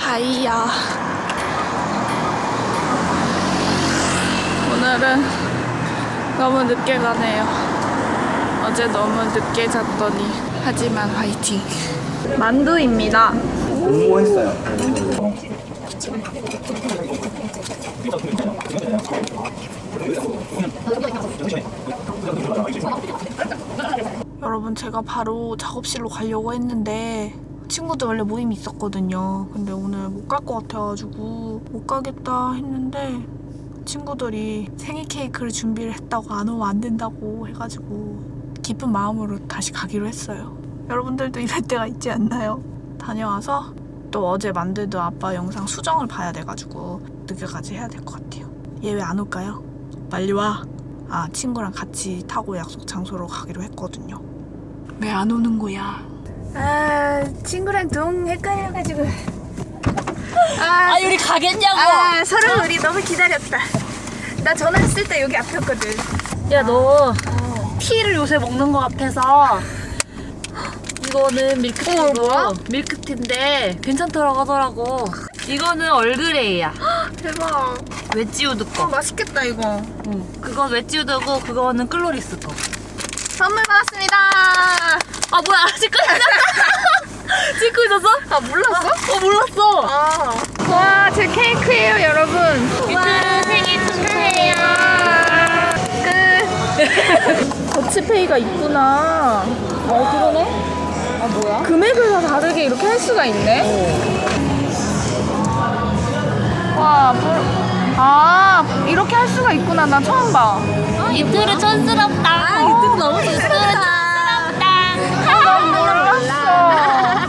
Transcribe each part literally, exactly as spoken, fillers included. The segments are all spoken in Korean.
하이야. 오늘은 너무 늦게 가네요. 어제 너무 늦게 잤더니. 하지만 화이팅. 만두입니다. 공모했어요. 여러분, 제가 바로 작업실로 가려고 했는데 친구들 원래 모임이 있었거든요. 근데 오늘 못 갈 것 같아가지고 못 가겠다 했는데 친구들이 생일 케이크를 준비를 했다고 안 오면 안 된다고 해가지고 기쁜 마음으로 다시 가기로 했어요. 여러분들도 이럴 때가 있지 않나요? 다녀와서 또 어제 만들던 아빠 영상 수정을 봐야 돼가지고 늦게까지 해야 될 것 같아요. 얘 왜 안 올까요? 빨리 와. 아, 친구랑 같이 타고 약속 장소로 가기로 했거든요. 왜 안 오는 거야? 아, 친구랑 동 헷갈려가지고. 아, 아 우리 가겠냐고. 아, 서로 우리 너무 기다렸다. 나 전화했을 때 여기 앞이었거든. 야 너 티를 요새 먹는 거 같아서 이거는 밀크티고 어, 뭐야? 밀크티인데 괜찮더라고 하더라고. 이거는 얼그레이야. 대박. 웨지우드 어, 거. 맛있겠다 이거. 응. 그건 웨지우드고 그거는 클로리스 거. 선물 받았습니다. 아 뭐야 찍고 있었어? 찍고 있었어? 아, 몰랐어? 어 몰랐어. 아. 와, 제 케이크예요, 여러분. 유튜브 생일 축하해요. 끝. 더치페이가 있구나. 어 그러네. 아 뭐야? 금액을 다 다르게 이렇게 할 수가 있네. 와, 물... 아, 이렇게 할 수가 있구나. 나 처음 봐. 유튜브 촌스럽다. 아 유튜브 너무 촌스럽다. 난 몰랐어.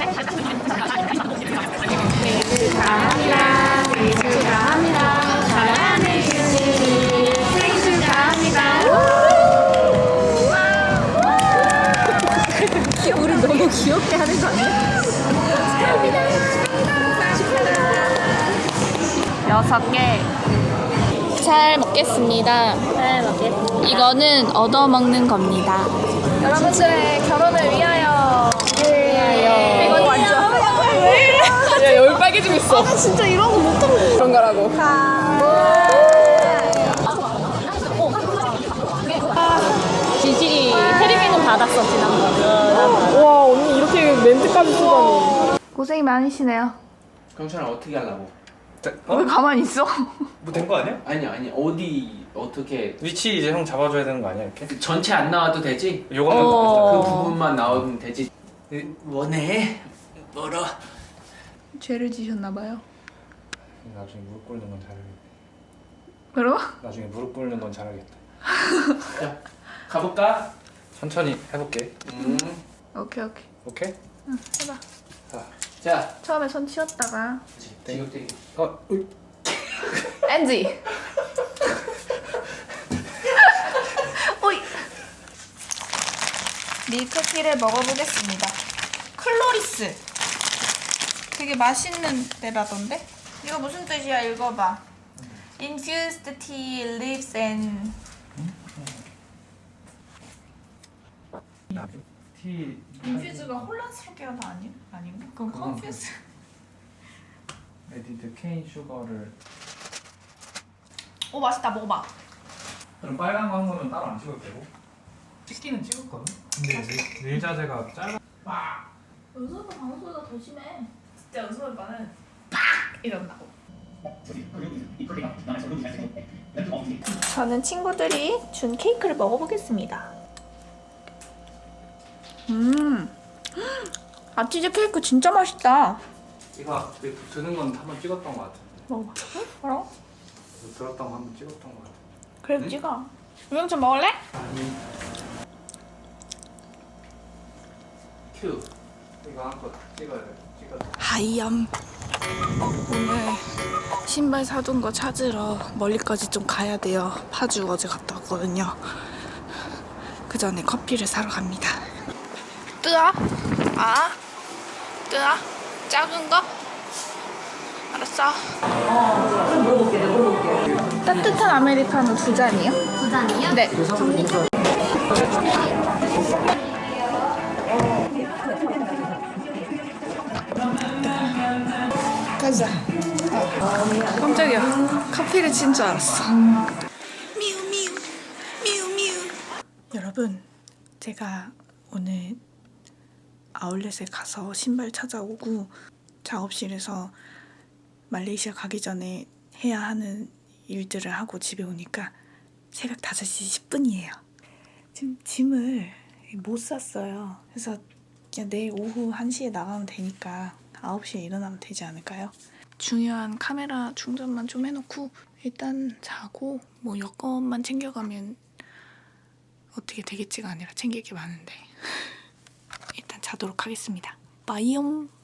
우리 너무 귀엽게 하는 거 아니야? 여섯 개. 잘 먹겠습니다. 잘 먹겠습니다. 이거는 얻어먹는 겁니다. 여러분들의 결혼을 위하여. 위하여. 이건 완전. 왜 이래? 야, 여기 빨개지고 있어. 아, 진짜 이런 거 못하고. 그런 거라고. 진실이 테레비는 받았어 지난번. 와, 언니 이렇게 멘트까지 쓰다니. 고생이 많으시네요. 경찰은 어떻게 하려고? 왜 가만히 있어? 뭐 된 거 아니야? 아니 아니 어디 어떻게 위치 이제 형 잡아줘야 되는 거 아니야 이렇게? 전체 안 나와도 되지? 요것만 어. 그 부분만 나오면 되지. 원해? 멀어. 죄를 지셨나봐요. 나중에 무릎 꿇는 건 잘하겠다. 그럼? 나중에 무릎 꿇는 건 잘하겠다. 자, 가볼까? 천천히 해볼게. 음. 오케이, 오케이. 오케이? 응, 해봐. 자, 자, 처음에 손 치웠다가. 지금 어, 으이. 엔지. 오이. 밀크티를 먹어보겠습니다. 클로리스. 되게 맛있는 데라던데? 이거 무슨 뜻이야? 읽어봐. Infused tea leaves and 티. 인퓨즈가 혼란스럽게 하다 아니? 아닌가? 그럼 컨퓨즈. 에디드 케인 슈거를. 오, 맛있다. 먹어봐. 그럼 빨간 거 한 거는 따로 안 찍어도 되고? 찍기는 찍었거든? 근데 릴, 릴 자세가 짧아. 은솔 오빠 방송보다 더 심해. 진짜 은솔 오빠는 팍! 이런다고. 저는 친구들이 준 케이크를 먹어보겠습니다. 음, 아, 치즈 케이크 진짜 맛있다. 이거 그 드는 건 한번 찍었던 거 같아. 먹어봐. 응? 뭐라고? 들었던 거 한번 찍었던 거 같아. 그래, 응? 찍어. 우영천 먹을래? 아니. 큐. 이거 한 거 찍어야 돼. 찍어야 돼. 하이염. 오늘 신발 사둔 거 찾으러 멀리까지 좀 가야 돼요. 파주 어제 갔다 왔거든요. 그 전에 커피를 사러 갑니다. 뜨아? 아? 뜨아? 작은 거? 알았어. 어, 물어볼게, 내가 물어볼게. 따뜻한 아메리카노 두 잔이요? 두 잔이요? 네. 가자. 어. 깜짝이야. 카피를 친 줄 알았어. 미우 미우 미우 미우. 여러분, 제가 오늘 아울렛에 가서 신발 찾아오고 작업실에서 말레이시아 가기 전에 해야 하는 일들을 하고 집에 오니까 새벽 다섯 시 십 분이에요. 지금 짐을 못 샀어요. 그래서 그냥 내일 오후 한 시에 나가면 되니까 아홉 시에 일어나면 되지 않을까요? 중요한 카메라 충전만 좀 해놓고 일단 자고 뭐 여권만 챙겨가면 어떻게 되겠지가 아니라 챙길 게 많은데 일단 자도록 하겠습니다. 빠이용.